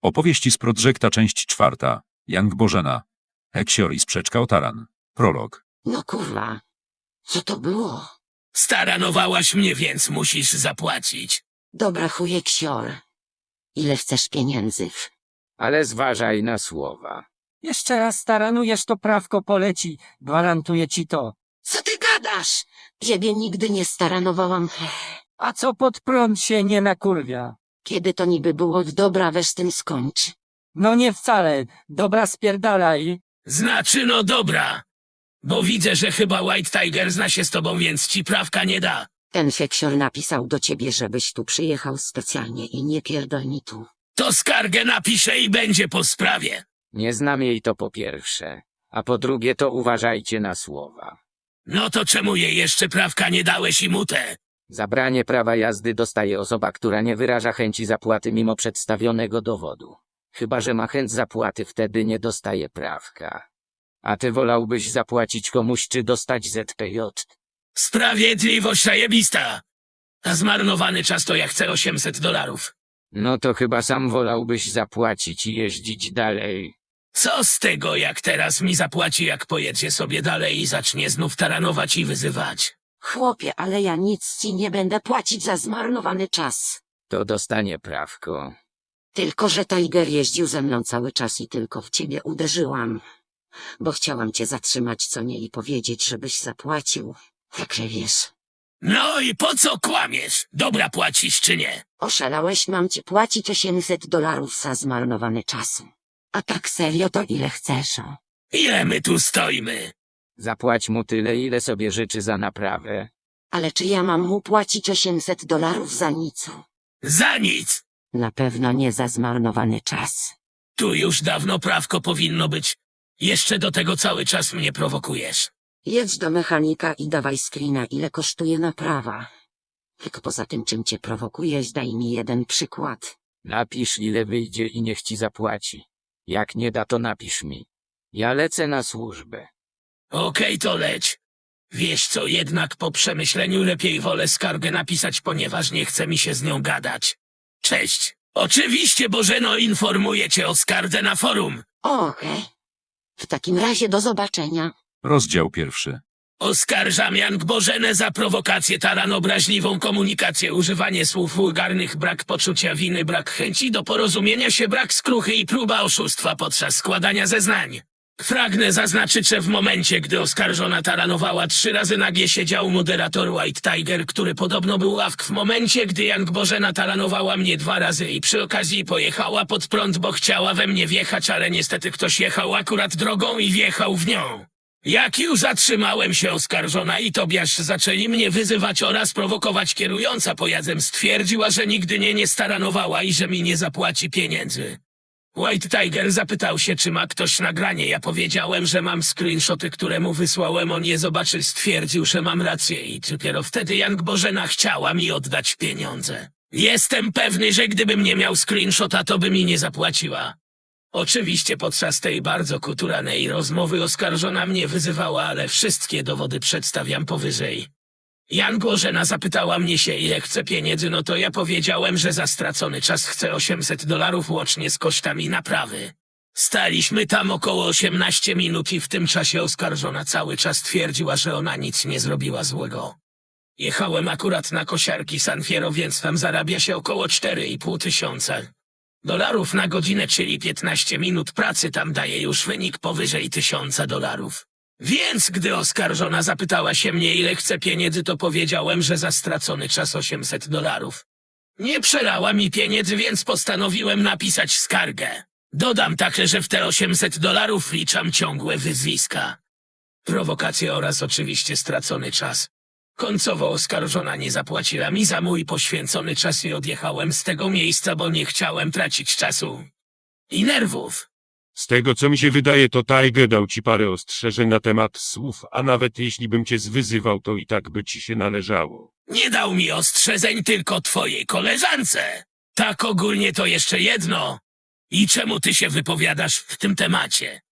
Opowieści z Prodrzekta, część 4. Young Bożena. Heksior i sprzeczka o taran. Prolog. No kurwa, co to było? Staranowałaś mnie, więc musisz zapłacić. Dobra chujek sior. Ile chcesz pieniędzy? Ale zważaj na słowa. Jeszcze raz staranujesz, to prawko poleci. Gwarantuję ci to. Co ty gadasz? Ciebie nigdy nie staranowałam. A co pod prąd się nie nakurwia? Kiedy to niby było dobra, weź z tym skończ. No nie wcale. Dobra, spierdalaj. Znaczy, no dobra. Bo widzę, że chyba White Tiger zna się z tobą, więc ci prawka nie da. Ten feksior napisał do ciebie, żebyś tu przyjechał specjalnie i nie pierdol mi tu. To skargę napiszę i będzie po sprawie. Nie znam jej, to po pierwsze. A po drugie, to uważajcie na słowa. No to czemu jej jeszcze prawka nie dałeś i mutę? Zabranie prawa jazdy dostaje osoba, która nie wyraża chęci zapłaty mimo przedstawionego dowodu. Chyba że ma chęć zapłaty, wtedy nie dostaje prawka. A ty wolałbyś zapłacić komuś czy dostać ZPJ? Sprawiedliwość zajebista. A zmarnowany czas to ja chcę $800. No to chyba sam wolałbyś zapłacić i jeździć dalej. Co z tego, jak teraz mi zapłaci, jak pojedzie sobie dalej i zacznie znów taranować i wyzywać? Chłopie, ale ja nic ci nie będę płacić za zmarnowany czas. To dostanie prawko. Tylko że Tiger jeździł ze mną cały czas i tylko w ciebie uderzyłam. Bo chciałam cię zatrzymać, co nie, i powiedzieć, żebyś zapłacił. Także wiesz. No i po co kłamiesz? Dobra, płacisz czy nie? Oszalałeś, mam ci płacić $800 za zmarnowany czas. A tak serio, to ile chcesz? O? Ile my tu stoimy? Zapłać mu tyle, ile sobie życzy za naprawę. Ale czy ja mam mu płacić $800 za nic? Za nic! Na pewno nie za zmarnowany czas. Tu już dawno prawko powinno być. Jeszcze do tego cały czas mnie prowokujesz. Jedź do mechanika i dawaj screena, ile kosztuje naprawa. Tylko poza tym, czym cię prowokujesz, daj mi jeden przykład. Napisz, ile wyjdzie i niech ci zapłaci. Jak nie da, to napisz mi. Ja lecę na służbę. Okej, to leć. Wiesz co, jednak po przemyśleniu lepiej wolę skargę napisać, ponieważ nie chce mi się z nią gadać. Cześć. Oczywiście, Bożeno, informuję cię o skardze na forum. Okej. W takim razie do zobaczenia. Rozdział 1. Oskarżam Young Bożenę za prowokację, taran, obraźliwą komunikację, używanie słów wulgarnych, brak poczucia winy, brak chęci do porozumienia się, brak skruchy i próba oszustwa podczas składania zeznań. Pragnę zaznaczyć, że w momencie, gdy oskarżona taranowała 3 razy, nagie siedział moderator White Tiger, który podobno był ławk w momencie, gdy Young Bożena taranowała mnie 2 razy i przy okazji pojechała pod prąd, bo chciała we mnie wjechać, ale niestety ktoś jechał akurat drogą i wjechał w nią. Jak już zatrzymałem się, oskarżona i Tobiasz zaczęli mnie wyzywać oraz prowokować, kierująca pojazdem stwierdziła, że nigdy nie staranowała i że mi nie zapłaci pieniędzy. White Tiger zapytał się, czy ma ktoś nagranie. Ja powiedziałem, że mam screenshoty, które mu wysłałem. On je zobaczy, stwierdził, że mam rację i dopiero wtedy Young Bożena chciała mi oddać pieniądze. Jestem pewny, że gdybym nie miał screenshota, to by mi nie zapłaciła. Oczywiście podczas tej bardzo kulturalnej rozmowy oskarżona mnie wyzywała, ale wszystkie dowody przedstawiam powyżej. Young Bożena zapytała mnie się, ile chce pieniędzy, no to ja powiedziałem, że za stracony czas chcę $800 łącznie z kosztami naprawy. Staliśmy tam około 18 minut i w tym czasie oskarżona cały czas twierdziła, że ona nic nie zrobiła złego. Jechałem akurat na kosiarki San Fierro, więc tam zarabia się około 4,5 tysiąca dolarów na godzinę, czyli 15 minut pracy tam daje już wynik powyżej $1000. Więc gdy oskarżona zapytała się mnie, ile chce pieniędzy, to powiedziałem, że za stracony czas $800. Nie przelała mi pieniędzy, więc postanowiłem napisać skargę. Dodam także, że w te $800 wliczam ciągłe wyzwiska, prowokacje oraz oczywiście stracony czas. Końcowo oskarżona nie zapłaciła mi za mój poświęcony czas i odjechałem z tego miejsca, bo nie chciałem tracić czasu i nerwów. Z tego co mi się wydaje, to Tiger dał ci parę ostrzeżeń na temat słów, a nawet jeśli bym cię zwyzywał, to i tak by ci się należało. Nie dał mi ostrzeżeń, tylko twojej koleżance. Tak ogólnie to jeszcze jedno. I czemu ty się wypowiadasz w tym temacie?